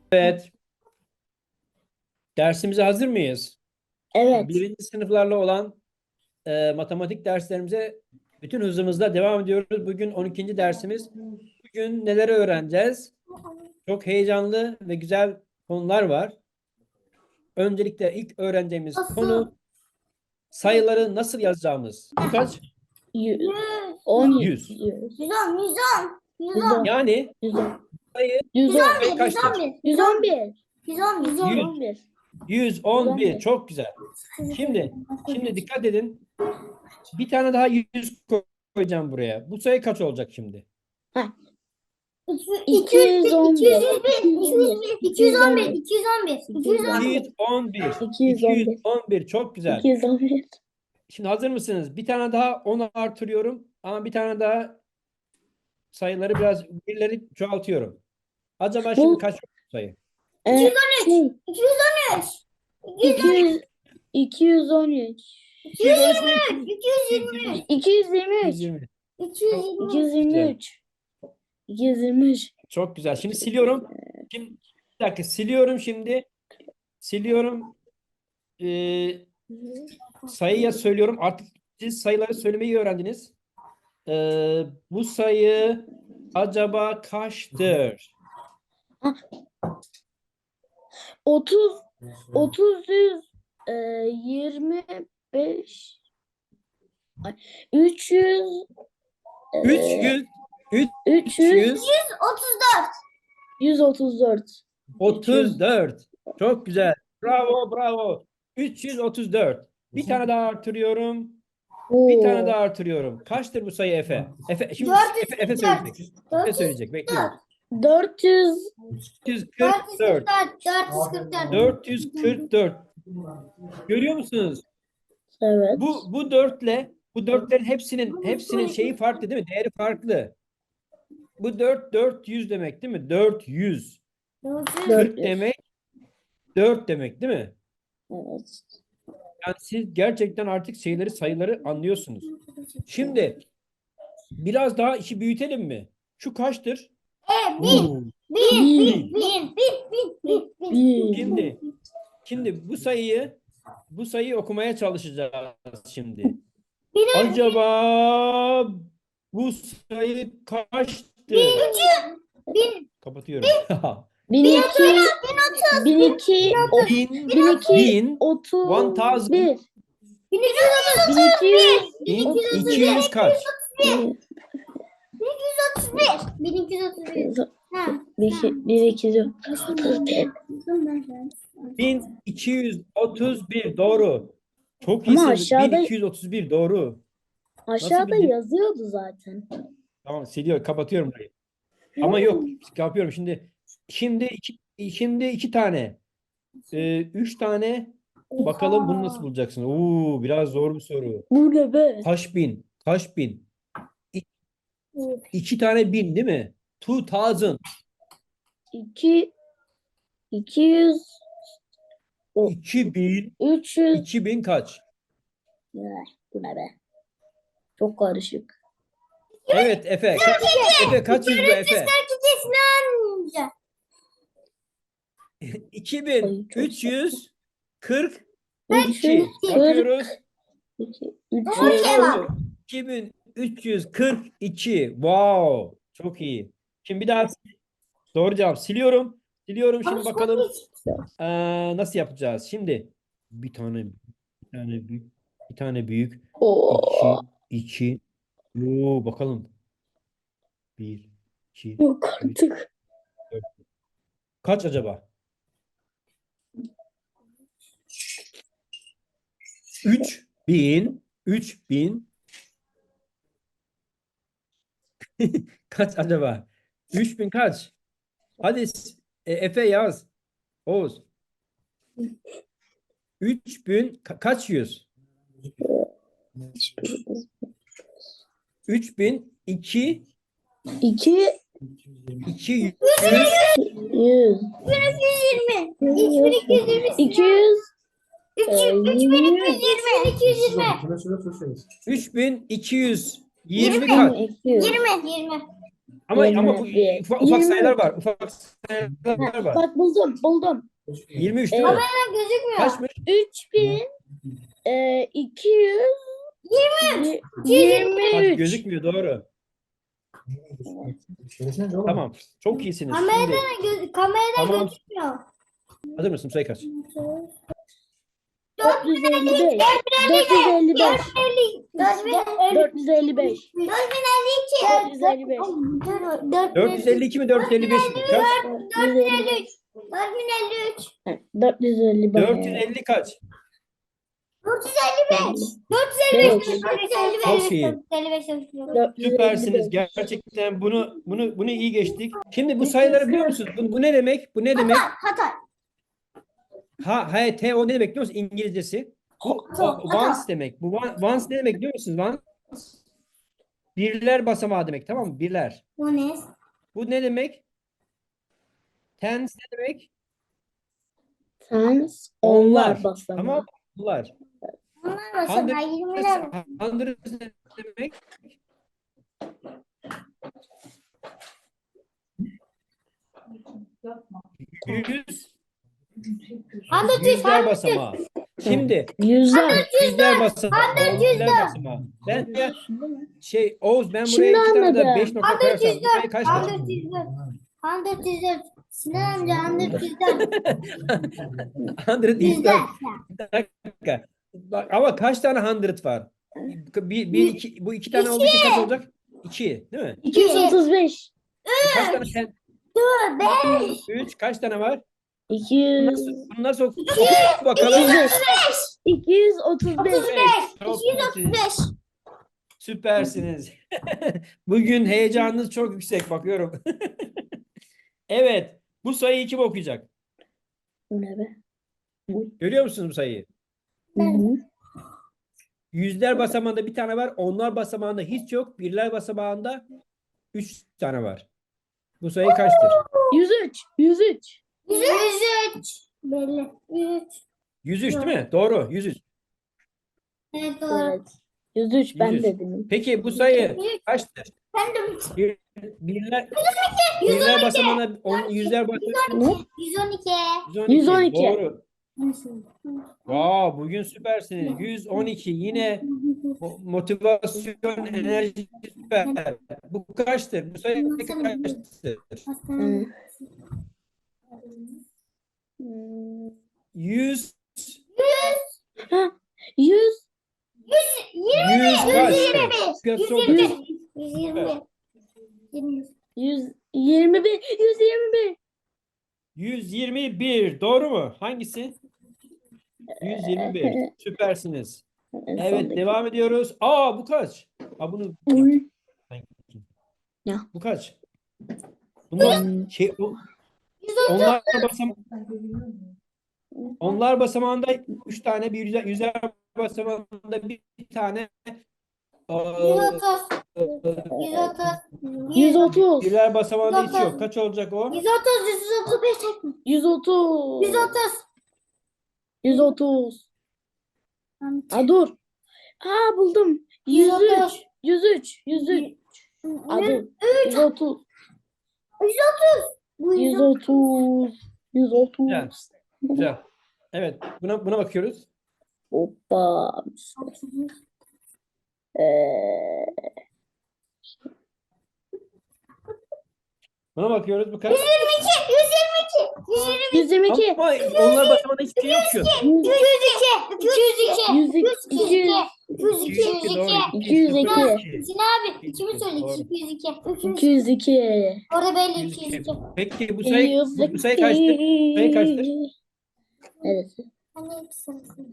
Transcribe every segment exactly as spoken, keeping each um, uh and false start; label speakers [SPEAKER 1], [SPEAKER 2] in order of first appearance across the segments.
[SPEAKER 1] Evet. Dersimize hazır mıyız?
[SPEAKER 2] Evet.
[SPEAKER 1] Birinci sınıflarla olan e, matematik derslerimize bütün hızımızla devam ediyoruz. Bugün on ikinci dersimiz. Bugün neleri öğreneceğiz? Çok heyecanlı ve güzel konular var. Öncelikle ilk öğreneceğimiz konu sayıları nasıl yazacağımız. Bu kaç?
[SPEAKER 2] Yüz. On.
[SPEAKER 1] Yüz.
[SPEAKER 2] Yüz.
[SPEAKER 3] Yüz on, yüz on, yüz
[SPEAKER 2] Yüz
[SPEAKER 3] on,
[SPEAKER 2] on.
[SPEAKER 1] Yani
[SPEAKER 2] Yüz on.
[SPEAKER 1] sayı
[SPEAKER 2] Yüz on.
[SPEAKER 1] sayı kaçtır?
[SPEAKER 2] Yüz on bir.
[SPEAKER 3] yüz on, yüz
[SPEAKER 2] Yüz
[SPEAKER 3] on.
[SPEAKER 2] on bir.
[SPEAKER 1] yüz on bir. Çok güzel. Şimdi şimdi dikkat edin. Bir tane daha yüz koyacağım buraya. Bu sayı kaç olacak şimdi?
[SPEAKER 3] iki yüz on bir, iki yüz on bir, iki yüz on bir, iki yüz on bir, iki yüz on bir.
[SPEAKER 1] iki yüz on bir.
[SPEAKER 2] İki yüz on bir.
[SPEAKER 1] iki yüz on bir. Çok güzel.
[SPEAKER 2] İki yüz on bir.
[SPEAKER 1] Şimdi hazır mısınız? Bir tane daha on artırıyorum. Ama bir tane daha sayıları biraz birleri çoğaltıyorum. Acaba şimdi
[SPEAKER 2] Bu-
[SPEAKER 1] kaç sayı?
[SPEAKER 2] Ee, şey,
[SPEAKER 3] iki yüz on üç,
[SPEAKER 2] iki yüz. İki yüz on üç.
[SPEAKER 1] iki yüz on üç mü?
[SPEAKER 3] iki yüz yirmi üç,
[SPEAKER 2] İki yüz yirmi
[SPEAKER 1] iki yüz
[SPEAKER 2] üç.
[SPEAKER 1] yirmi.
[SPEAKER 3] iki yüz
[SPEAKER 2] İki
[SPEAKER 3] yirmi üç.
[SPEAKER 2] yüz yirmi üç. İki yüz yirmi üç.
[SPEAKER 1] Çok güzel. Şimdi siliyorum. Şimdi bir dakika siliyorum şimdi. Siliyorum. Ee, sayıya söylüyorum. Artık siz sayıları söylemeyi öğrendiniz. Ee, bu sayı acaba kaçtır?
[SPEAKER 2] Otuz. Otuz yüz. E, yirmi beş. Ay, üç yüz. e,
[SPEAKER 1] üç yüz
[SPEAKER 2] Üç yüz.
[SPEAKER 3] otuz dört.
[SPEAKER 2] Yüz otuz dört.
[SPEAKER 1] otuz dört. Çok güzel. Bravo, bravo. üç yüz otuz dört. Bir tane daha artırıyorum. Bir tane daha artırıyorum. Kaçtır bu sayı Efe? Efe şimdi Efe, Efe söyleyecek. Efe söyleyecek. Bekliyorum.
[SPEAKER 2] Dört yüz.
[SPEAKER 1] dört yüz kırk dört.
[SPEAKER 3] dört yüz kırk dört.
[SPEAKER 1] dört yüz kırk dört. Görüyor musunuz?
[SPEAKER 2] Evet.
[SPEAKER 1] Bu bu dörtle bu dörtlerin hepsinin hepsinin şeyi farklı değil mi? Değeri farklı. Bu dört dört yüz demek değil mi? dört yüz.
[SPEAKER 2] Dört
[SPEAKER 1] kırk
[SPEAKER 2] yüz.
[SPEAKER 1] demek dört demek değil mi?
[SPEAKER 2] Evet.
[SPEAKER 1] Yani siz gerçekten artık şeyleri sayıları anlıyorsunuz. Şimdi biraz daha işi büyütelim mi? Şu kaçtır?
[SPEAKER 3] E, bin,
[SPEAKER 1] Oo.
[SPEAKER 3] bin,
[SPEAKER 2] Bir.
[SPEAKER 3] bin, bin, bin, bin, bin.
[SPEAKER 2] Bir.
[SPEAKER 1] Şimdi şimdi bu sayıyı bu sayıyı okumaya çalışacağız şimdi. Acaba bu sayı kaçtır?
[SPEAKER 3] Bin,
[SPEAKER 1] Kapatıyorum.
[SPEAKER 2] Bin iki. Bin iki. o-
[SPEAKER 1] Bin,
[SPEAKER 2] Bin iki.
[SPEAKER 1] bin,
[SPEAKER 2] Otuz.
[SPEAKER 1] one thousand.
[SPEAKER 2] Bir.
[SPEAKER 3] bin iki yüz otuz
[SPEAKER 2] Bin iki yüz.
[SPEAKER 1] bin iki yüz kaç?
[SPEAKER 2] Bir.
[SPEAKER 3] otuz bir. bin iki yüz otuz bir. Ha.
[SPEAKER 2] Bir, iki- bir iki yüz otuz bir.
[SPEAKER 1] bin iki yüz otuz bir doğru. Çok
[SPEAKER 2] Ama
[SPEAKER 1] iyisiniz.
[SPEAKER 2] aşağıda-
[SPEAKER 1] bin iki yüz otuz bir doğru.
[SPEAKER 2] Aşağıda
[SPEAKER 1] bildin?
[SPEAKER 2] yazıyordu zaten.
[SPEAKER 1] Tamam siliyor kapatıyorum burayı. Ama yok kapıyorum şimdi. Şimdi iki, şimdi iki tane. Ee, üç tane. Bakalım bunu nasıl bulacaksın? Oo, biraz zor bir soru.
[SPEAKER 2] Bu ne be?
[SPEAKER 1] Kaç bin? Kaç bin? İ- iki tane bin değil mi? Two thousand.
[SPEAKER 2] İki. İki yüz. O-
[SPEAKER 1] iki bin.
[SPEAKER 2] Üç yüz.
[SPEAKER 1] iki bin kaç?
[SPEAKER 2] Ne? Bu ne be? Çok karışık.
[SPEAKER 1] Evet Efe. Kaç, Efe kaç yüz bu Efe?
[SPEAKER 3] Kesinlikle.
[SPEAKER 1] iki bin üç yüz kırk
[SPEAKER 2] Üç
[SPEAKER 1] iki.
[SPEAKER 2] yüz
[SPEAKER 1] Bakıyoruz.
[SPEAKER 2] iki. Üç
[SPEAKER 3] Doğru
[SPEAKER 2] yüz.
[SPEAKER 3] cevap.
[SPEAKER 1] iki bin üç yüz kırk iki. Wow. Çok iyi. Şimdi bir daha doğru cevap siliyorum. Siliyorum şimdi bakalım eee, nasıl yapacağız. Şimdi bir tane bir tane büyük bir tane büyük
[SPEAKER 2] Oo.
[SPEAKER 1] iki iki. Oo, bakalım. bir iki
[SPEAKER 2] Yok artık.
[SPEAKER 1] kaç acaba? üç bin üç bin kaç acaba? üç bin kaç? Hadi e, Efe yaz. Oğuz. üç bin ka- kaç yüz? üç bin iki
[SPEAKER 2] İki
[SPEAKER 1] iki yüz
[SPEAKER 2] yüz.
[SPEAKER 3] yirmi. üç bin iki yüz yirmi.
[SPEAKER 2] İki yüz.
[SPEAKER 3] üç bin iki yüz yirmi.
[SPEAKER 1] üç bin iki yüz yirmi
[SPEAKER 2] Yirmi.
[SPEAKER 1] kaç?
[SPEAKER 2] İki yüz.
[SPEAKER 3] yirmi. yirmi.
[SPEAKER 1] Ama ama bu
[SPEAKER 2] yirmi bir,
[SPEAKER 1] ufak, ufak
[SPEAKER 2] yirmi
[SPEAKER 1] sayılar
[SPEAKER 2] üç.
[SPEAKER 1] var. Ufak sayılar
[SPEAKER 2] Ha,
[SPEAKER 1] var.
[SPEAKER 2] bak buldum buldum.
[SPEAKER 1] yirmi üç değil
[SPEAKER 2] Evet.
[SPEAKER 1] mi?
[SPEAKER 3] Gözükmüyor.
[SPEAKER 1] Kaçmış?
[SPEAKER 2] üç bin e, iki yüz yirmi
[SPEAKER 1] Bak
[SPEAKER 2] üç.
[SPEAKER 1] gözükmüyor, doğru. Tamam. Çok iyisiniz. Şimdi
[SPEAKER 3] Kameradan, göz, kameradan
[SPEAKER 1] tamam.
[SPEAKER 3] gözükmüyor.
[SPEAKER 1] Hazır mısın? Sayı kaç?
[SPEAKER 2] dört yüz elli beş. dört yüz elli beş.
[SPEAKER 3] dört bin elli.
[SPEAKER 2] dört yüz elli beş.
[SPEAKER 3] dört bin elli iki.
[SPEAKER 2] dört yüz elli beş.
[SPEAKER 1] dört yüz elli iki mi? dört yüz elli beş mi? Kaç?
[SPEAKER 3] dört bin elli üç. dört bin elli üç.
[SPEAKER 2] dört yüz elli beş.
[SPEAKER 1] dört yüz elli kaç?
[SPEAKER 3] dört yüz elli beş. dört yüz elli beş.
[SPEAKER 2] Beş.
[SPEAKER 3] dört yüz elli beş.
[SPEAKER 1] Çok iyi.
[SPEAKER 3] dört yüz elli beş.
[SPEAKER 2] dört yüz elli
[SPEAKER 1] Süpersiniz.
[SPEAKER 2] beş.
[SPEAKER 1] Gerçekten bunu bunu bunu iyi geçtik. Şimdi bu sayıları biliyor musunuz? Bu, bu ne demek? Bu ne demek?
[SPEAKER 3] Hatay.
[SPEAKER 1] Ha, ha, T o ne demek biliyor musunuz? İngilizcesi. Bu o- once demek. Bu one- once ne demek biliyor musunuz? Once birler basamağı demek, tamam mı? Birler.
[SPEAKER 3] Bu ne?
[SPEAKER 1] Bu ne demek? Tens ne demek?
[SPEAKER 2] Tens
[SPEAKER 1] Onlar.
[SPEAKER 2] onlar basamağı.
[SPEAKER 1] Tamam mı? Onlar.
[SPEAKER 3] Bunlar basamağı yirmiler.
[SPEAKER 1] Hundreds ne demek? Yüz.
[SPEAKER 3] Hundred yüz.
[SPEAKER 1] Yüzler basamağı. Şimdi
[SPEAKER 2] Yüzler.
[SPEAKER 1] yüzler basamağı.
[SPEAKER 3] Hundred
[SPEAKER 1] Yüzler
[SPEAKER 3] yüzler.
[SPEAKER 1] basamağı. Ben de şey Oğuz, ben
[SPEAKER 2] Şimdi
[SPEAKER 1] buraya iki tane de
[SPEAKER 2] anladım.
[SPEAKER 1] beş nokta
[SPEAKER 3] Hundred
[SPEAKER 1] koyarsam
[SPEAKER 3] yüz
[SPEAKER 1] buraya
[SPEAKER 3] dört.
[SPEAKER 1] kaç kaç?
[SPEAKER 3] Hundred yüz dört. Hundred yüz dört. Sinan amca hundred yüz dört.
[SPEAKER 1] Hundred yüz
[SPEAKER 3] Yüzler.
[SPEAKER 1] dört. Bir dakika. Bak, ama kaç tane hundred var? Bir, bir iki, bu iki tane olduğu için kaç olacak? İki, değil mi?
[SPEAKER 2] iki yüz otuz beş.
[SPEAKER 1] Kaç tane ten?
[SPEAKER 3] Beş.
[SPEAKER 1] Üç, kaç tane var?
[SPEAKER 2] iki yüz.
[SPEAKER 1] Nasıl, bunu nasıl oku- oku bakalım?
[SPEAKER 2] iki yüz otuz beş.
[SPEAKER 3] Otuz beş.
[SPEAKER 1] Çok
[SPEAKER 3] iki yüz otuz
[SPEAKER 1] iyisiniz.
[SPEAKER 3] beş.
[SPEAKER 1] Süpersiniz. Bugün heyecanınız çok yüksek, bakıyorum. Evet, bu sayıyı kim okuyacak?
[SPEAKER 2] Bu ne be?
[SPEAKER 1] Görüyor musunuz bu sayıyı?
[SPEAKER 2] Hı hı.
[SPEAKER 1] Yüzler basamağında bir tane var. Onlar basamağında hiç yok. Birler basamağında üç tane var. Bu sayı kaçtır?
[SPEAKER 2] yüz üç. yüz üç.
[SPEAKER 3] Yüz üç. Belli. Yüz üç.
[SPEAKER 1] yüz üç değil mi? Doğru. yüz üç.
[SPEAKER 3] Evet doğru.
[SPEAKER 2] Evet. yüz üç ben
[SPEAKER 1] yüz üç.
[SPEAKER 2] dedim.
[SPEAKER 1] Peki bu sayı kaçtır?
[SPEAKER 3] Ben de
[SPEAKER 1] Bir, birler, birler basamağında on, yüzler basamağında
[SPEAKER 3] yüz on iki.
[SPEAKER 2] yüz on iki.
[SPEAKER 1] Doğru. Wow, bugün süpersiniz. yüz on iki yine mo- motivasyon, enerji süper. Bu kaçtır? Bu sayı kaçtır?
[SPEAKER 2] Hı. Hmm.
[SPEAKER 1] yüz,
[SPEAKER 2] Ha, yüz.
[SPEAKER 1] yüz kaç?
[SPEAKER 3] Yüz
[SPEAKER 1] Çok
[SPEAKER 3] yirmi.
[SPEAKER 1] basit.
[SPEAKER 3] Yüz yirmi. Yirmi.
[SPEAKER 2] yüz yirmi bir. yüz yirmi bir.
[SPEAKER 1] yüz yirmi bir. Doğru mu? Hangisi? yüz yirmi bir. Süpersiniz.
[SPEAKER 2] En
[SPEAKER 1] Evet,
[SPEAKER 2] sondaki.
[SPEAKER 1] devam ediyoruz. Aa, bu kaç? Aa, bunu
[SPEAKER 2] Uy. Ya.
[SPEAKER 1] bu kaç? Bunlar
[SPEAKER 2] Hmm.
[SPEAKER 1] şey o- onlar basam onlar basamağında üç tane, bir yüzer, yüzer basamağında bir tane
[SPEAKER 3] Yüz
[SPEAKER 1] eee,
[SPEAKER 3] otuz. Yüz otuz.
[SPEAKER 2] yüz otuz.
[SPEAKER 1] birler basamağında hiç yok. Kaç olacak o?
[SPEAKER 3] Yüz otuz. Yüz otuz beş.
[SPEAKER 2] yüz otuz.
[SPEAKER 3] Yüz otuz.
[SPEAKER 2] yüz otuz. Aa, dur. Aa, buldum.
[SPEAKER 3] Yüz
[SPEAKER 2] yüz
[SPEAKER 3] otuz.
[SPEAKER 2] üç. yüz üç. yüz üç. Aa, dur. yüz otuz.
[SPEAKER 3] Bu
[SPEAKER 2] yüz otuz. yüz otuz.
[SPEAKER 1] Güzel. Güzel. Evet, buna buna bakıyoruz.
[SPEAKER 2] Hoppa. Ee,
[SPEAKER 1] Buna bakıyoruz. Bu kaç?
[SPEAKER 3] Yüz yirmi iki. Yüz yirmi iki. Yüz yirmi.
[SPEAKER 2] yüz yirmi iki.
[SPEAKER 1] Ama onlar basamağında hiçbir şey yok ki.
[SPEAKER 2] yüz
[SPEAKER 3] Yüz iki. İki yüz iki.
[SPEAKER 2] yüz iki.
[SPEAKER 3] İki yüz iki. İki yüz iki.
[SPEAKER 1] Doğru.
[SPEAKER 2] iki yüz iki.
[SPEAKER 3] Sinan abi kimi söyle?
[SPEAKER 1] Doğru.
[SPEAKER 3] İki yüz iki.
[SPEAKER 2] iki yüz iki.
[SPEAKER 3] Orada belli iki yüz iki.
[SPEAKER 1] Peki bu sayı bu, bu sayı kaçtır? Sayı kaçtır?
[SPEAKER 2] Neresi?
[SPEAKER 3] Hani hepsi.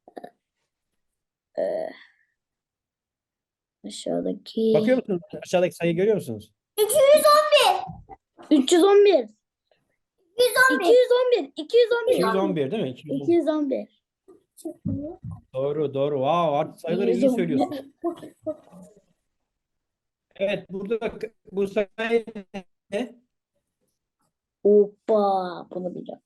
[SPEAKER 2] Aşağıdaki.
[SPEAKER 1] Bakıyor musunuz? Aşağıdaki sayıyı görüyor musunuz?
[SPEAKER 3] iki yüz on bir.
[SPEAKER 2] üç yüz on bir.
[SPEAKER 3] yüz on
[SPEAKER 2] iki
[SPEAKER 3] bir.
[SPEAKER 2] yüz on bir. iki yüz on bir.
[SPEAKER 1] iki yüz on bir değil mi? iki yüz on bir.
[SPEAKER 2] iki yüz on bir.
[SPEAKER 1] Doğru, doğru. Wow, artık sayıları iyi
[SPEAKER 2] iki yüz on bir.
[SPEAKER 1] söylüyorsun. Evet, burada bu sayı ne?
[SPEAKER 2] Hoppa. Bunu bileceğim.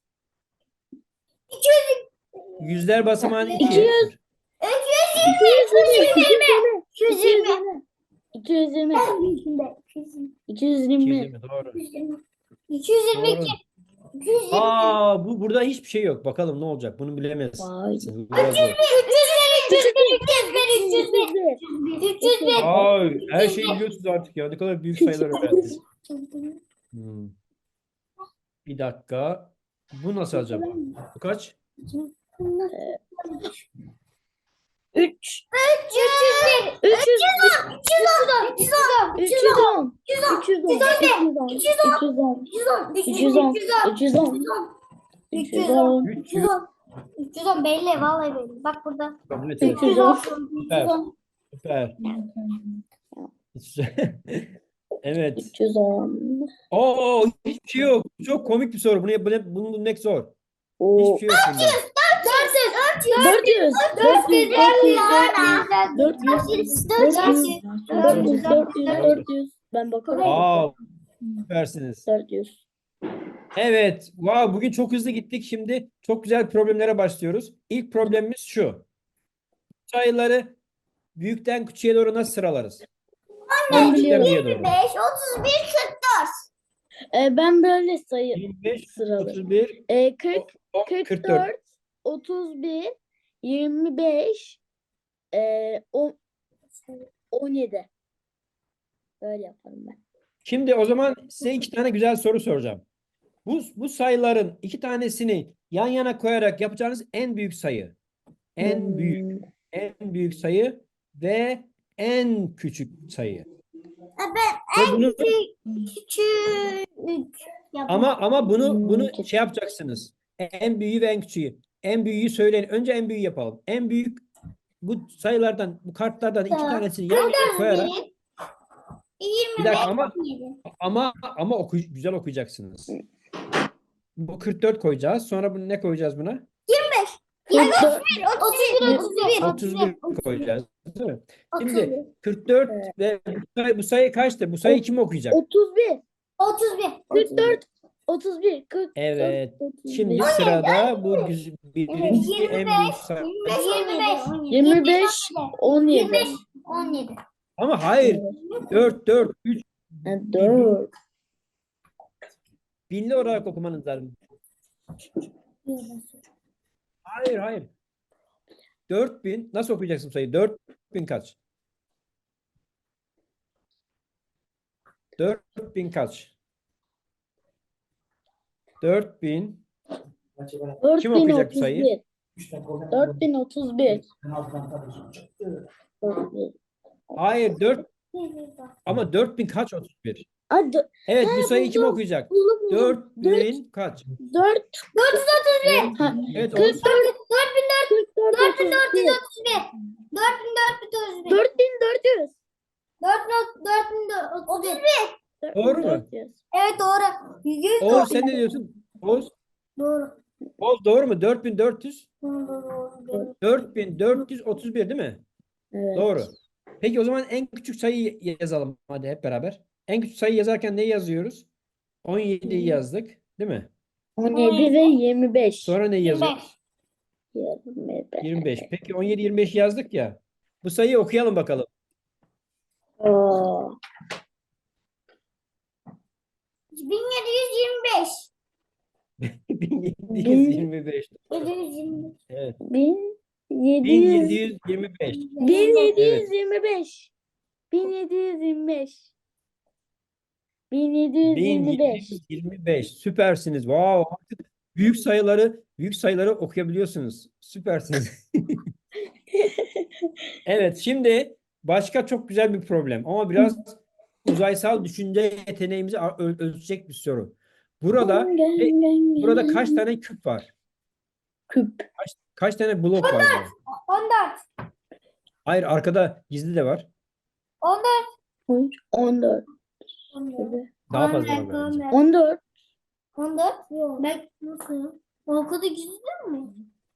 [SPEAKER 1] Yüzler basamağını
[SPEAKER 2] iki
[SPEAKER 1] ikiye.
[SPEAKER 2] yüz. iki yüz yirmi.
[SPEAKER 3] iki yüz yirmi.
[SPEAKER 2] iki iki yüz yirmi. iki yüz yirmi.
[SPEAKER 1] iki yüz yirmi doğru.
[SPEAKER 3] iki yüz yirmi iki.
[SPEAKER 1] Doğru.
[SPEAKER 3] iki yüz yirmi.
[SPEAKER 1] Aa, bu burada hiçbir şey yok. Bakalım ne olacak? Bunu bilemez.
[SPEAKER 2] Vay.
[SPEAKER 1] Bu biraz zor.
[SPEAKER 3] üç yüz bir, üç yüz bir, üç yüz bir, üç yüz bir.
[SPEAKER 1] Ay, her şeyi biliyorsunuz artık ya. Ne kadar büyük sayılar öğrendiniz. Hmm. Bir dakika. Bu nasıl acaba? Bu kaç?
[SPEAKER 2] üç.
[SPEAKER 3] üç yüz bir.
[SPEAKER 2] üç yüz
[SPEAKER 3] üç yüz on. üç yüz on.
[SPEAKER 2] üç yüz on.
[SPEAKER 3] üç yüz on.
[SPEAKER 2] üç yüz on. üç yüz on.
[SPEAKER 3] üç yüz on.
[SPEAKER 2] üç yüz on. üç yüz on.
[SPEAKER 3] üç yüz on.
[SPEAKER 2] üç yüz on.
[SPEAKER 3] üç yüz on. üç yüz on belli. Vallahi belli. Bak burada.
[SPEAKER 1] Kabul
[SPEAKER 2] üç
[SPEAKER 1] edelim.
[SPEAKER 2] yüz on.
[SPEAKER 1] Süper. Süper. Evet.
[SPEAKER 2] üç yüz on.
[SPEAKER 1] Oo, hiçbir şey yok. Çok komik bir soru. Bunu, bunu, bunu bulmak zor.
[SPEAKER 2] Oo.
[SPEAKER 1] Hiçbir şey yok bunda.
[SPEAKER 3] dört yüz.
[SPEAKER 2] dört yüz.
[SPEAKER 3] dört yüz.
[SPEAKER 2] dört yüz.
[SPEAKER 3] dört yüz.
[SPEAKER 2] dört yüz.
[SPEAKER 3] dört yüz.
[SPEAKER 2] dört yüz. dört yüz. dört yüz. Ben bakarım.
[SPEAKER 1] Aa, süpersiniz.
[SPEAKER 2] dört yüz.
[SPEAKER 1] Evet. Wow, bugün çok hızlı gittik. Şimdi çok güzel problemlere başlıyoruz. İlk problemimiz şu. Sayıları büyükten küçüğe doğru nasıl sıralarız?
[SPEAKER 2] Ben
[SPEAKER 1] Küçükten
[SPEAKER 2] biliyorum.
[SPEAKER 1] büyüğe doğru.
[SPEAKER 3] beş, otuz bir, kırk dört.
[SPEAKER 2] Ee, ben böyle sayı
[SPEAKER 1] yirmi beş,
[SPEAKER 2] sıralarım.
[SPEAKER 1] otuz bir,
[SPEAKER 2] Ee, kırk,
[SPEAKER 1] kırk
[SPEAKER 2] kırk
[SPEAKER 1] dört.
[SPEAKER 2] dört, otuz bir, yirmi beş, ee, on, on yedi. Böyle yaparım ben.
[SPEAKER 1] Şimdi o zaman size iki tane güzel soru soracağım. Bu, bu sayıların iki tanesini yan yana koyarak yapacağınız en büyük sayı. En büyük,
[SPEAKER 2] Hmm.
[SPEAKER 1] en büyük sayı ve en küçük sayı.
[SPEAKER 3] Ben
[SPEAKER 1] Ve bunu,
[SPEAKER 3] küçük
[SPEAKER 1] ama ama bunu
[SPEAKER 2] Hmm,
[SPEAKER 1] bunu
[SPEAKER 2] küçük.
[SPEAKER 1] şey yapacaksınız. En büyüğü ve en küçüğü. En büyüğü söyleyin. Önce en büyüğü yapalım. En büyük bu sayılardan, bu kartlardan iki
[SPEAKER 3] Tamam.
[SPEAKER 1] tanesini yan yana koyarak
[SPEAKER 3] yirmi
[SPEAKER 1] bir
[SPEAKER 3] beş,
[SPEAKER 1] dakika ama
[SPEAKER 3] on yedi.
[SPEAKER 1] ama ama oku, güzel okuyacaksınız. Bu kırk dört koyacağız. Sonra bunu ne koyacağız buna?
[SPEAKER 2] kırk dört.
[SPEAKER 3] otuz bir, otuz bir,
[SPEAKER 1] otuz bir koyacağız. Değil mi?
[SPEAKER 3] otuz
[SPEAKER 1] Şimdi
[SPEAKER 3] bir,
[SPEAKER 1] kırk dört ve bu sayı, bu sayı kaçtı? Bu sayı kim okuyacak?
[SPEAKER 2] otuz bir,
[SPEAKER 3] otuz bir,
[SPEAKER 2] kırk dört, otuz bir, kırk
[SPEAKER 1] Evet.
[SPEAKER 2] otuz
[SPEAKER 1] Şimdi
[SPEAKER 2] bir,
[SPEAKER 1] sırada bu güz- birinci en büyük sayı.
[SPEAKER 3] yirmi beş,
[SPEAKER 2] yirmi beş, on
[SPEAKER 3] yirmi
[SPEAKER 2] yedi.
[SPEAKER 3] beş, on yedi.
[SPEAKER 1] Ama hayır. dört, dört, üç
[SPEAKER 2] dört.
[SPEAKER 1] binli olarak okumanız lazım. Hayır, hayır. dört bin nasıl okuyacaksın sayıyı? dört bin kaç? dört bin kaç? dört bin Kim okuyacak bu sayıyı?
[SPEAKER 2] dört bin otuz bir.
[SPEAKER 1] Hayır, dört ama dört bin kaç otuz bir?
[SPEAKER 2] Hadi
[SPEAKER 1] Evet, bu
[SPEAKER 2] Ha,
[SPEAKER 1] sayıyı kim
[SPEAKER 2] buldum.
[SPEAKER 1] okuyacak?
[SPEAKER 2] buldum buldum.
[SPEAKER 1] dört bin kaç?
[SPEAKER 2] dört.
[SPEAKER 3] dört yüz otuz bir,
[SPEAKER 2] Ha,
[SPEAKER 1] Evet,
[SPEAKER 2] kırk
[SPEAKER 1] olsun.
[SPEAKER 2] dört.
[SPEAKER 3] dört bin
[SPEAKER 2] kırk dört.
[SPEAKER 3] dört bin dört yüz
[SPEAKER 2] otuz bir.
[SPEAKER 3] otuz bir, dört bin dört yüz otuz bir,
[SPEAKER 2] dört bin dört yüz.
[SPEAKER 3] dört bin dört bin otuz bir.
[SPEAKER 1] Doğru mu?
[SPEAKER 2] dört yüz.
[SPEAKER 3] Evet doğru. Yüz
[SPEAKER 1] Oğuz
[SPEAKER 3] doğru.
[SPEAKER 1] sen ne diyorsun? Oğuz,
[SPEAKER 3] Doğru.
[SPEAKER 1] Oğuz doğru mu? dört bin dört yüz?
[SPEAKER 3] Doğru, doğru, doğru.
[SPEAKER 1] dört bin dört yüz otuz bir değil mi?
[SPEAKER 2] Evet.
[SPEAKER 1] Doğru. Peki o zaman en küçük sayıyı yazalım hadi hep beraber. En küçük sayı yazarken neyi yazıyoruz? on yediyi yazdık, değil mi?
[SPEAKER 2] on yedi ve yirmi beş.
[SPEAKER 1] Sonra neyi
[SPEAKER 3] yirmi
[SPEAKER 1] yazıyoruz?
[SPEAKER 3] beş.
[SPEAKER 2] yirmi beş.
[SPEAKER 1] yirmi beş. Peki on yedi yirmi beş yazdık ya. Bu sayıyı okuyalım bakalım.
[SPEAKER 2] Oo.
[SPEAKER 3] bin yedi yüz yirmi beş.
[SPEAKER 1] bin yedi yüz yirmi beş.
[SPEAKER 3] yedi yüz yirmi beş.
[SPEAKER 1] Evet.
[SPEAKER 2] bin yedi
[SPEAKER 1] bin
[SPEAKER 2] yüz.
[SPEAKER 1] yedi yüz yirmi beş.
[SPEAKER 2] bin yedi yüz yirmi beş. bin yedi yüz yirmi beş. bin yedi yüz yirmi beş.
[SPEAKER 1] bin yedi yüz yirmi beş. Süpersiniz. Wow. Artık büyük sayıları büyük sayıları okuyabiliyorsunuz. Süpersiniz. Evet, şimdi başka çok güzel bir problem ama biraz uzaysal düşünce yeteneğimizi a- öl- ölçecek bir soru. Burada e, burada kaç tane küp var?
[SPEAKER 2] küp?
[SPEAKER 1] Kaç, kaç tane blok var burada?
[SPEAKER 3] on dört.
[SPEAKER 1] Hayır, arkada gizli de var.
[SPEAKER 3] on dört.
[SPEAKER 2] on dört.
[SPEAKER 3] on dört.
[SPEAKER 1] Daha fazla var bence.
[SPEAKER 2] on dört.
[SPEAKER 3] on dört. Yok. Ben nasıl? O kadar gizli mi?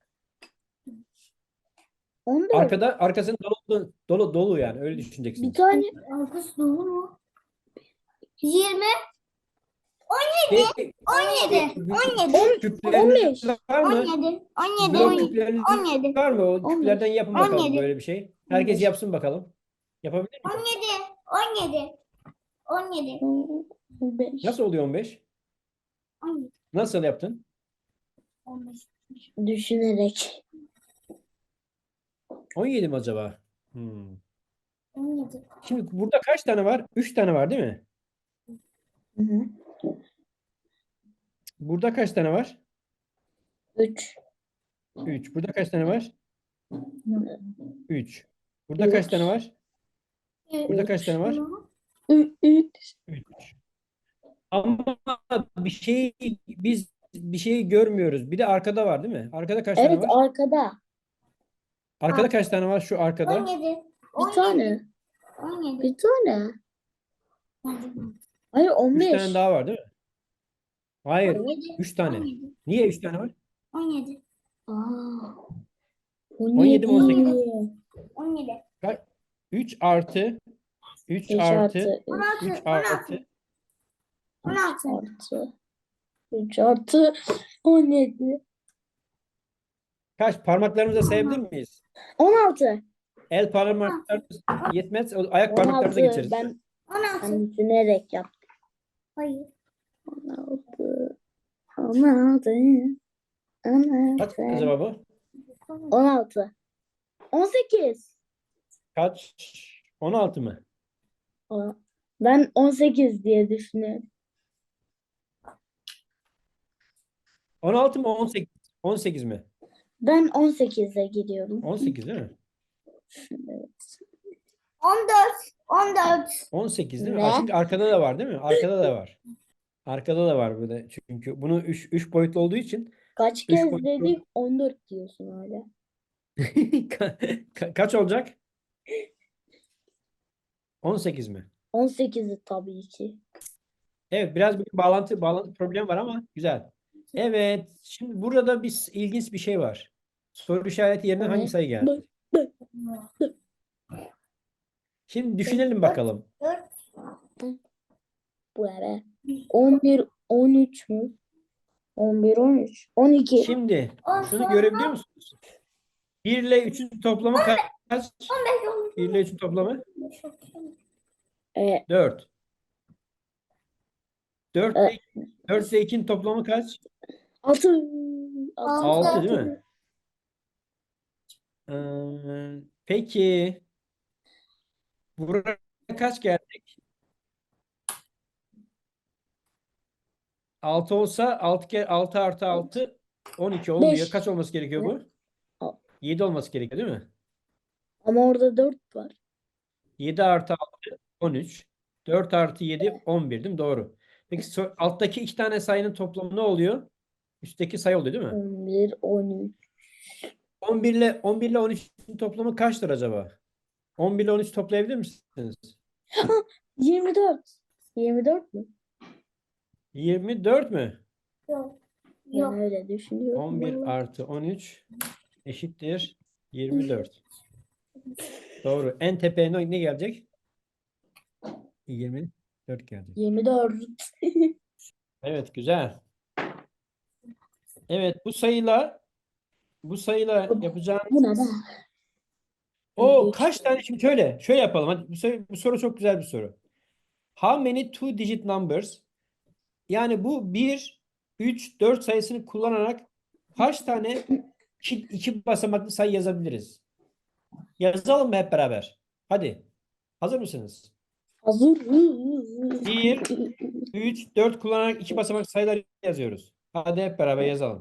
[SPEAKER 2] on dört.
[SPEAKER 1] Arkada arkasının dolu dolu dolu yani öyle
[SPEAKER 2] Bir
[SPEAKER 1] düşüneceksiniz.
[SPEAKER 2] tane
[SPEAKER 3] Arkası dolu mu? yirmi.
[SPEAKER 1] Peki,
[SPEAKER 3] on yedi. on yedi.
[SPEAKER 1] küpleriniz
[SPEAKER 2] on beş.
[SPEAKER 1] var
[SPEAKER 3] on
[SPEAKER 1] mı?
[SPEAKER 3] yedi. on yedi.
[SPEAKER 1] Blok
[SPEAKER 3] on yedi.
[SPEAKER 1] küpleriniz
[SPEAKER 3] on yedi.
[SPEAKER 1] var mı? O
[SPEAKER 2] on beş.
[SPEAKER 1] küplerden yapın
[SPEAKER 3] on
[SPEAKER 1] bakalım
[SPEAKER 3] yedi.
[SPEAKER 1] böyle bir şey. Herkes
[SPEAKER 2] beş.
[SPEAKER 1] yapsın bakalım. Yapabilir mi?
[SPEAKER 3] on yedi. on yedi. on yedi.
[SPEAKER 2] beş.
[SPEAKER 1] Nasıl oluyor on beş?
[SPEAKER 3] on yedi.
[SPEAKER 1] Nasıl yaptın?
[SPEAKER 3] on beş.
[SPEAKER 2] Düşünerek.
[SPEAKER 1] on yedi mi acaba? Hmm.
[SPEAKER 3] on yedi.
[SPEAKER 1] Şimdi burada kaç tane var? üç tane var değil mi?
[SPEAKER 2] Hı hı.
[SPEAKER 1] Burada kaç tane var?
[SPEAKER 2] üç.
[SPEAKER 1] üç. Burada kaç tane var? üç. Burada kaç tane var? Burada kaç tane var?
[SPEAKER 2] üç.
[SPEAKER 1] üç. Ama bir şey biz bir şeyi görmüyoruz. Bir de arkada var değil mi? Arkada kaç tane
[SPEAKER 2] Evet,
[SPEAKER 1] var?
[SPEAKER 2] arkada.
[SPEAKER 1] Arkada kaç tane var şu arkada?
[SPEAKER 3] on yedi.
[SPEAKER 2] Bir tane.
[SPEAKER 3] on yedi.
[SPEAKER 2] Bir tane. Hayır, on
[SPEAKER 1] üç
[SPEAKER 2] beş.
[SPEAKER 1] tane daha var değil mi? Hayır.
[SPEAKER 3] on yedi.
[SPEAKER 1] üç tane.
[SPEAKER 3] on yedi.
[SPEAKER 1] Niye üç tane var?
[SPEAKER 3] on yedi.
[SPEAKER 2] Aa,
[SPEAKER 1] on yedi mi, on sekiz mi?
[SPEAKER 3] on yedi.
[SPEAKER 1] üç artı üç
[SPEAKER 2] beş
[SPEAKER 1] artı
[SPEAKER 2] artı
[SPEAKER 3] on
[SPEAKER 1] üç
[SPEAKER 3] altı.
[SPEAKER 1] artı
[SPEAKER 3] on altı.
[SPEAKER 2] artı üç artı on yedi.
[SPEAKER 1] kaç? Parmaklarımıza sayabilir miyiz?
[SPEAKER 2] on altı.
[SPEAKER 1] El parmaklarımız yetmez. o Ayak
[SPEAKER 2] on
[SPEAKER 1] parmaklarımıza
[SPEAKER 2] altı.
[SPEAKER 1] geçeriz.
[SPEAKER 2] Ben,
[SPEAKER 3] on altı.
[SPEAKER 2] ben düşünerek yaptım.
[SPEAKER 3] Hayır.
[SPEAKER 2] on altı. on altı. on
[SPEAKER 1] Kaç
[SPEAKER 2] altı.
[SPEAKER 1] acaba bu?
[SPEAKER 2] on altı. on sekiz.
[SPEAKER 1] Kaç? on altı mı?
[SPEAKER 2] Aa, ben on sekiz diye düşünüyorum.
[SPEAKER 1] on altı mı, on sekiz? on sekiz mi?
[SPEAKER 2] Ben on sekize gidiyorum.
[SPEAKER 1] on sekiz değil mi?
[SPEAKER 2] Evet.
[SPEAKER 3] on dört. on dört.
[SPEAKER 1] on sekiz değil mi?
[SPEAKER 2] Ne?
[SPEAKER 1] Aa, çünkü arkada da var değil mi? Arkada da var. Arkada da var böyle. Çünkü bunu üç üç boyutlu olduğu için
[SPEAKER 2] Kaç
[SPEAKER 1] üç
[SPEAKER 2] kez
[SPEAKER 1] boyutlu.
[SPEAKER 2] dedik? on dört diyorsun hala.
[SPEAKER 1] Ka- ka- kaç olacak? on sekiz mi?
[SPEAKER 2] on sekizi tabii ki.
[SPEAKER 1] Evet, biraz bir bağlantı bağlantı problemi var ama güzel. Evet, şimdi burada bir s- ilginç bir şey var. Soru işareti yerine
[SPEAKER 2] O
[SPEAKER 1] hangi
[SPEAKER 2] ne?
[SPEAKER 1] sayı geldi? Şimdi düşünelim bakalım.
[SPEAKER 3] dört.
[SPEAKER 2] Bu ne be? on bir, on üç mü? on bir, on üç. on iki.
[SPEAKER 1] Şimdi
[SPEAKER 3] on
[SPEAKER 1] şunu
[SPEAKER 3] sonra
[SPEAKER 1] görebiliyor musunuz? bir ile üçün toplamı kaç?
[SPEAKER 3] on beş olmuş.
[SPEAKER 1] bir ile üçün toplamı
[SPEAKER 2] Ee,
[SPEAKER 1] dört. dört
[SPEAKER 2] e,
[SPEAKER 1] ile, dört ile ikinin toplamı kaç?
[SPEAKER 2] altı.
[SPEAKER 1] altı değil mi? Ee, peki buraya kaç gelecek? altı olsa altı kere altı artı altı on iki olmuyor.
[SPEAKER 2] Beş.
[SPEAKER 1] Kaç olması gerekiyor bu?
[SPEAKER 2] Al.
[SPEAKER 1] yedi olması gerekiyor değil mi?
[SPEAKER 2] Ama orada dört var.
[SPEAKER 1] yedi artı altı on üç. dört artı yedi on bir değil mi? Doğru. Peki so- alttaki iki tane sayının toplamı ne oluyor? Üstteki sayı oluyor değil mi?
[SPEAKER 2] on bir, on üç.
[SPEAKER 1] on bir ile on bir ile on üçün toplamı kaçtır acaba? on bir ile on üç toplayabilir misiniz?
[SPEAKER 2] yirmi dört. yirmi dört mü?
[SPEAKER 1] yirmi dört mü?
[SPEAKER 3] Yok.
[SPEAKER 2] Ben
[SPEAKER 3] Yok.
[SPEAKER 2] öyle düşünüyorum.
[SPEAKER 1] on bir
[SPEAKER 2] vallahi.
[SPEAKER 1] artı on üç eşittir yirmi dört. Doğru. En tepeye ne ne gelecek? yirmi dört gelecek.
[SPEAKER 2] yirmi dört.
[SPEAKER 1] Evet, güzel. Evet, bu sayıyla bu sayıyla yapacağım.
[SPEAKER 2] Bu ne be?
[SPEAKER 1] O
[SPEAKER 2] Üç.
[SPEAKER 1] kaç tane, şimdi şöyle şöyle yapalım. Hadi bu soru, bu soru çok güzel bir soru. How many two digit numbers? Yani bu bir, üç, dört sayısını kullanarak kaç tane iki, iki basamaklı sayı yazabiliriz? Yazalım mı hep beraber? Hadi. Hazır mısınız?
[SPEAKER 2] Hazır.
[SPEAKER 1] bir, üç, dört kullanarak iki basamaklı sayılar yazıyoruz. Hadi hep beraber yazalım.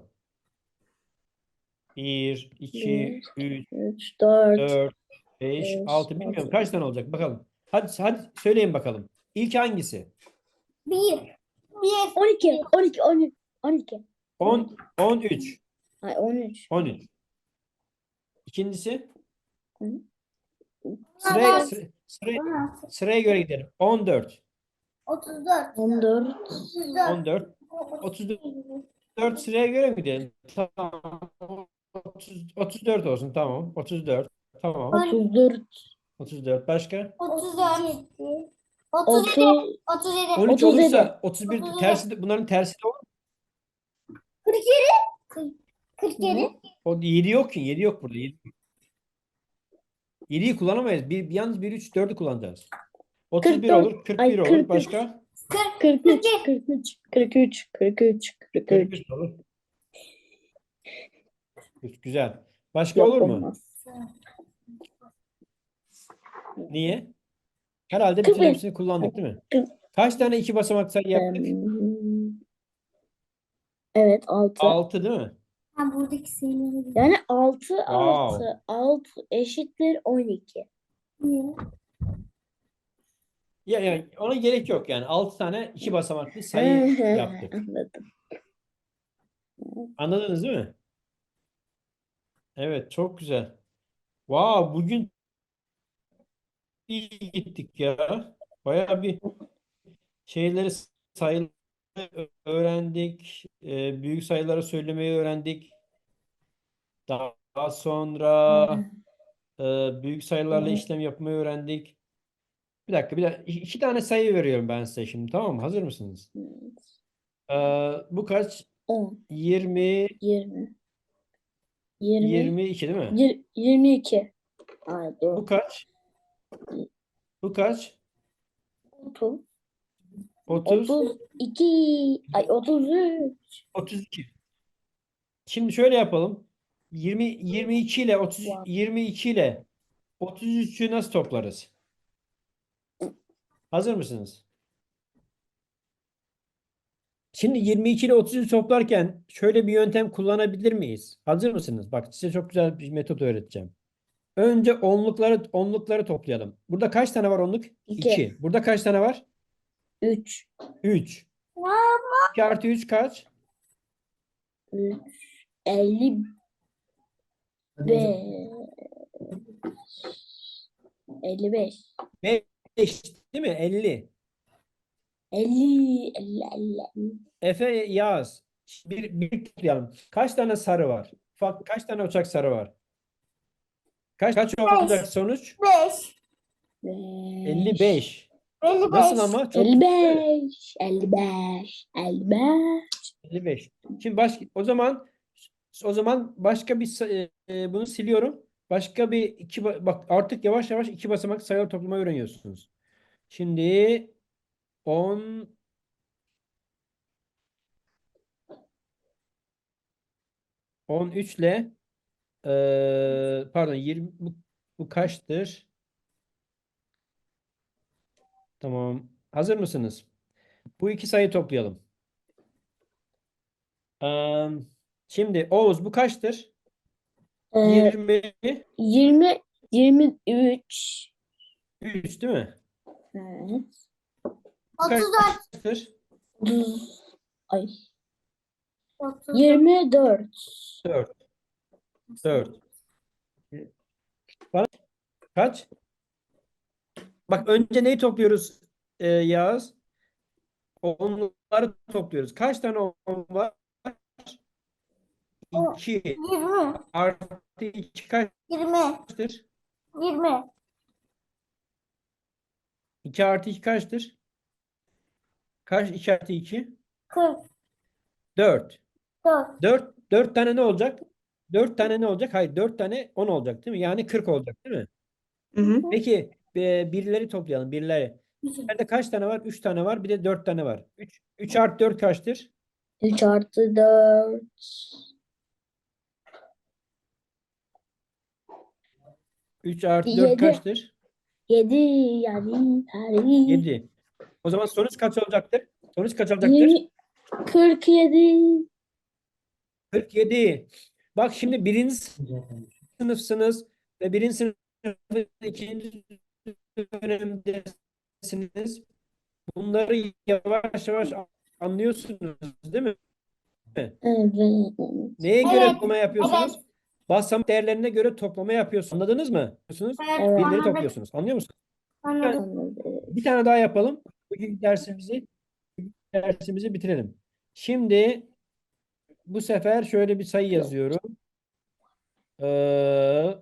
[SPEAKER 1] bir, iki, üç,
[SPEAKER 2] üç, dört.
[SPEAKER 1] dört, beş,
[SPEAKER 2] beş,
[SPEAKER 1] altı. Bilmiyorum
[SPEAKER 2] altı.
[SPEAKER 1] kaç tane olacak bakalım. Hadi hadi söyleyin bakalım. İlk hangisi?
[SPEAKER 3] Bir. Bir.
[SPEAKER 2] on iki. on iki. on üç. on iki.
[SPEAKER 1] on, on üç.
[SPEAKER 2] Ay, on üç.
[SPEAKER 1] on üç. İkincisi?
[SPEAKER 2] Hı.
[SPEAKER 1] Sıraya,
[SPEAKER 3] dört.
[SPEAKER 1] sıra- sıraya,
[SPEAKER 3] on altı.
[SPEAKER 1] sıraya göre gidelim. on dört.
[SPEAKER 3] otuz dört.
[SPEAKER 2] on dört.
[SPEAKER 3] otuz dört.
[SPEAKER 1] on dört. otuz dört sıraya göre mi gidelim? Tamam. otuz, otuz dört olsun, tamam. otuz dört. Tamam.
[SPEAKER 2] otuz dört.
[SPEAKER 1] otuz dört. Başka?
[SPEAKER 3] otuz dört. otuz yedi.
[SPEAKER 2] otuz.
[SPEAKER 3] otuz yedi.
[SPEAKER 1] on üç
[SPEAKER 2] otuz yedi.
[SPEAKER 1] olursa otuz bir
[SPEAKER 3] otuz yedi.
[SPEAKER 1] tersi de, bunların tersi de olur mu?
[SPEAKER 3] kırk yedi. kırk yedi.
[SPEAKER 1] O yedi yok ki. yedi yok burada. yedi. yediyi kullanamayız. Bir, bir yalnız bir, üç, dördü kullanacağız. otuz bir
[SPEAKER 2] kırk dört,
[SPEAKER 1] olur, kırk
[SPEAKER 2] ay
[SPEAKER 1] bir olur.
[SPEAKER 2] kırk üç,
[SPEAKER 1] Başka?
[SPEAKER 2] kırk üç, kırk üç, kırk üç, kırk üç, kırk
[SPEAKER 1] kırk
[SPEAKER 2] üç.
[SPEAKER 1] üç olur. Güzel. Başka
[SPEAKER 2] Yok
[SPEAKER 1] olur mu?
[SPEAKER 2] olmaz.
[SPEAKER 1] Niye? Herhalde
[SPEAKER 2] kırk
[SPEAKER 1] bütün
[SPEAKER 2] beş.
[SPEAKER 1] hepsini kullandık değil mi?
[SPEAKER 2] kırk,
[SPEAKER 1] Kaç tane iki basamak sayı yaptık?
[SPEAKER 2] em, evet altı.
[SPEAKER 1] altı değil mi?
[SPEAKER 3] Ha, buradaki sayıları
[SPEAKER 2] Yani altı
[SPEAKER 1] Wow.
[SPEAKER 2] artı altı eşittir on iki.
[SPEAKER 3] Niye?
[SPEAKER 1] Ya, yani ona gerek yok yani. altı tane iki basamaklı
[SPEAKER 2] Hı
[SPEAKER 1] sayı
[SPEAKER 2] hı,
[SPEAKER 1] yaptık.
[SPEAKER 2] anladım.
[SPEAKER 1] Anladınız değil mi? Evet, çok güzel. Wow, bugün iyi gittik ya. Bayağı bir şeyleri, sayıları öğrendik. Ee, büyük sayıları söylemeyi öğrendik. Daha daha sonra e, büyük sayılarla işlem yapmayı öğrendik. Bir dakika, bir dakika. İki iki tane sayı veriyorum ben size şimdi, tamam mı? Hazır mısınız? Ee, bu kaç?
[SPEAKER 2] on,
[SPEAKER 1] yirmi,
[SPEAKER 2] yirmi, yirmi,
[SPEAKER 1] yirmi iki değil mi?
[SPEAKER 2] yir- yirmi iki. Ay
[SPEAKER 1] Bu
[SPEAKER 2] dur.
[SPEAKER 1] kaç? Bu kaç?
[SPEAKER 2] otuz,
[SPEAKER 1] otuz,
[SPEAKER 2] otuz iki, ay otuz üç.
[SPEAKER 1] otuz iki. Şimdi şöyle yapalım. yirmi, yirmi iki ile otuz,
[SPEAKER 2] Wow.
[SPEAKER 1] yirmi iki ile otuz üçü nasıl toplarız? Hazır mısınız? Şimdi yirmi iki ile otuz üçü toplarken şöyle bir yöntem kullanabilir miyiz? Hazır mısınız? Bak, size çok güzel bir metot öğreteceğim. Önce onlukları onlukları toplayalım. Burada kaç tane var onluk?
[SPEAKER 2] iki,
[SPEAKER 1] iki. Burada kaç tane var?
[SPEAKER 2] üç,
[SPEAKER 1] üç. iki artı üç kaç?
[SPEAKER 2] üç, elli beş, elli beş,
[SPEAKER 1] beş değil mi? elli.
[SPEAKER 2] elli, elli, elli.
[SPEAKER 1] Efe, yaz. Bir, bir toplayalım. Kaç tane sarı var? Fa- Kaç tane uçak sarı var? Kaç kaç olacak sonuç?
[SPEAKER 3] Beş.
[SPEAKER 1] elli
[SPEAKER 2] beş,
[SPEAKER 1] beş.
[SPEAKER 3] Elli
[SPEAKER 1] Nasıl
[SPEAKER 3] beş.
[SPEAKER 1] ama? Çok
[SPEAKER 2] elli
[SPEAKER 1] güzel.
[SPEAKER 2] beş, elli beş, elli beş.
[SPEAKER 1] elli beş. Şimdi baş, o zaman o zaman başka bir sa- e, bunu siliyorum. Başka bir iki ba- bak, artık yavaş yavaş iki basamak sayılar toplamayı öğreniyorsunuz. Şimdi on, on üç ile e, pardon, yirmi, bu, bu kaçtır? Tamam. Hazır mısınız? Bu iki sayı toplayalım. Eee, şimdi Oğuz, bu kaçtır?
[SPEAKER 2] Ee,
[SPEAKER 1] yirmi
[SPEAKER 2] yirmi, yirmi üç.
[SPEAKER 1] üç değil mi?
[SPEAKER 2] Evet.
[SPEAKER 1] Bu
[SPEAKER 3] Otuz dört.
[SPEAKER 1] kaçtır?
[SPEAKER 2] otuz, ay,
[SPEAKER 3] Otuz dört.
[SPEAKER 2] yirmi dört.
[SPEAKER 1] dört. dört. Bana kaç? Bak, önce neyi topluyoruz e, Yağız? Onları topluyoruz. Kaç tane on var?
[SPEAKER 3] O,
[SPEAKER 1] iki.
[SPEAKER 3] Yirmi.
[SPEAKER 1] Artı iki
[SPEAKER 3] Yirmi.
[SPEAKER 1] kaçtır?
[SPEAKER 3] Yirmi.
[SPEAKER 1] iki artı iki kaçtır? Kaç? iki artı iki?
[SPEAKER 3] Kırk.
[SPEAKER 1] dört.
[SPEAKER 3] Dört.
[SPEAKER 1] dört. dört tane ne olacak? dört tane ne olacak? Hayır, dört tane on olacak değil mi? Yani kırk olacak değil mi?
[SPEAKER 2] Hı hı.
[SPEAKER 1] Peki e, birleri toplayalım, birleri. Birlerde kaç tane var? üç tane var. Bir de dört tane var. üç, üç artı dört kaçtır?
[SPEAKER 2] üç artı dört.
[SPEAKER 1] üç artı dört
[SPEAKER 2] yedi.
[SPEAKER 1] kaçtır?
[SPEAKER 2] yedi yani tarih.
[SPEAKER 1] yedi. O zaman sonuç kaç olacaktır? Sonuç kaç olacaktır?
[SPEAKER 2] yirmi, kırk yedi.
[SPEAKER 1] kırk yedi. Bak, şimdi birinci sınıfsınız ve birinci sınıfın ikinci dönemdesiniz. Bunları yavaş yavaş anlıyorsunuz değil mi?
[SPEAKER 2] Evet.
[SPEAKER 1] Neye göre
[SPEAKER 3] Evet.
[SPEAKER 1] toplama yapıyorsunuz?
[SPEAKER 3] Evet.
[SPEAKER 1] Basamak değerlerine göre toplama yapıyorsunuz. Anladınız mı? Yapıyorsunuz.
[SPEAKER 3] Evet.
[SPEAKER 2] Evet.
[SPEAKER 1] Birleri
[SPEAKER 3] Anladık.
[SPEAKER 1] topluyorsunuz. Anlıyor musunuz?
[SPEAKER 3] Anladık.
[SPEAKER 2] Anladım.
[SPEAKER 1] Bir tane daha yapalım. Bugün dersimizi dersimizi bitirelim. Şimdi bu sefer şöyle bir sayı yazıyorum. Ee,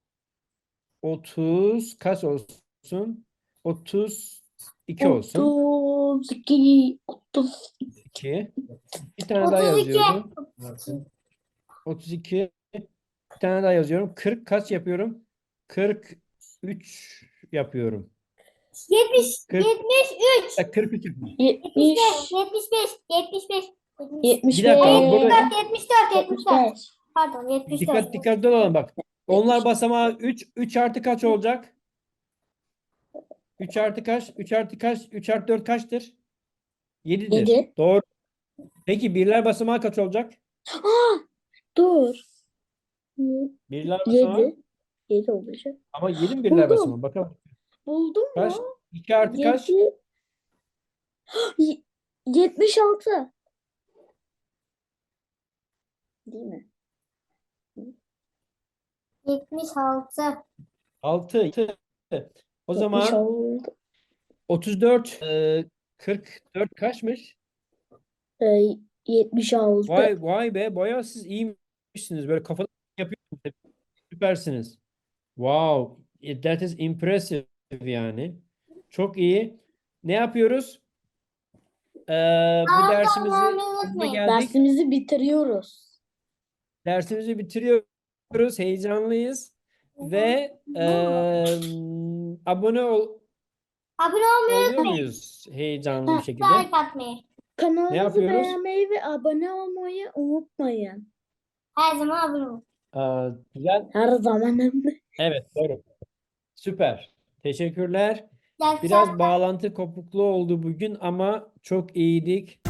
[SPEAKER 1] otuz kaç olsun? otuz iki olsun.
[SPEAKER 2] otuz iki, otuz.
[SPEAKER 1] iki. Bir tane daha
[SPEAKER 3] Otuz iki.
[SPEAKER 1] yazıyorum. otuz iki. Bir tane daha yazıyorum. kırk kaç yapıyorum? kırk üç yapıyorum.
[SPEAKER 3] yetmiş,
[SPEAKER 1] Kırk.
[SPEAKER 3] yetmiş üç,
[SPEAKER 1] kırk üç yapmış.
[SPEAKER 2] yetmiş,
[SPEAKER 3] yetmiş beş, yetmiş beş,
[SPEAKER 2] yetmiş
[SPEAKER 1] Bir dakika,
[SPEAKER 2] beş,
[SPEAKER 1] burada-
[SPEAKER 3] yetmiş dört, yetmiş dört.
[SPEAKER 2] yetmiş beş.
[SPEAKER 3] Pardon, yetmiş
[SPEAKER 1] Dikkat
[SPEAKER 3] dört.
[SPEAKER 1] dikkatli olalım bak. Onlar basamağı üç. üç artı kaç olacak? üç artı kaç? üç artı kaç? üç artı dört kaçtır? yedidir.
[SPEAKER 2] Yedi.
[SPEAKER 1] Doğru. Peki birler basamağı kaç olacak?
[SPEAKER 2] Dur.
[SPEAKER 1] Birler basamağı.
[SPEAKER 2] Yedi. Yedi olacak.
[SPEAKER 1] Ama yedi mi birler
[SPEAKER 2] Buldum.
[SPEAKER 1] basamağı? Bakalım.
[SPEAKER 2] Buldum
[SPEAKER 1] Kaç?
[SPEAKER 2] mu?
[SPEAKER 1] iki artı kaç?
[SPEAKER 2] Yedi. Y- Yetmiş altı. Değil mi?
[SPEAKER 3] yetmiş altı.
[SPEAKER 1] altı. O
[SPEAKER 2] Yetmiş
[SPEAKER 1] zaman
[SPEAKER 2] altı.
[SPEAKER 1] otuz dört, e, kırk dört kaçmış?
[SPEAKER 2] Ee, yetmiş altı.
[SPEAKER 1] Vay vay be, bayağı siz iyiymişsiniz. Böyle kafadan yapıyorsunuz. Süpersiniz. Wow, it- that is impressive yani. Çok iyi. Ne yapıyoruz? Ee, bu
[SPEAKER 3] Aa,
[SPEAKER 1] dersimizi
[SPEAKER 3] tamam,
[SPEAKER 1] sonuna
[SPEAKER 3] unutmayın.
[SPEAKER 1] geldik.
[SPEAKER 2] Dersimizi bitiriyoruz.
[SPEAKER 1] Dersimizi bitiriyoruz. Heyecanlıyız. Ve eee, abone ol,
[SPEAKER 3] Abone olmayı
[SPEAKER 1] oluyor muyuz heyecanlı bir şekilde?
[SPEAKER 3] like atmayı.
[SPEAKER 2] Kanalımızı
[SPEAKER 1] yapıyoruz?
[SPEAKER 2] beğenmeyi ve abone olmayı unutmayın.
[SPEAKER 3] Her zaman abone olun.
[SPEAKER 1] Aa, güzel.
[SPEAKER 2] Her zaman hem de.
[SPEAKER 1] Evet, doğru. Süper. Teşekkürler.
[SPEAKER 3] İyi akşamlar.
[SPEAKER 1] Biraz bağlantı kopukluğu oldu bugün ama çok iyiydik.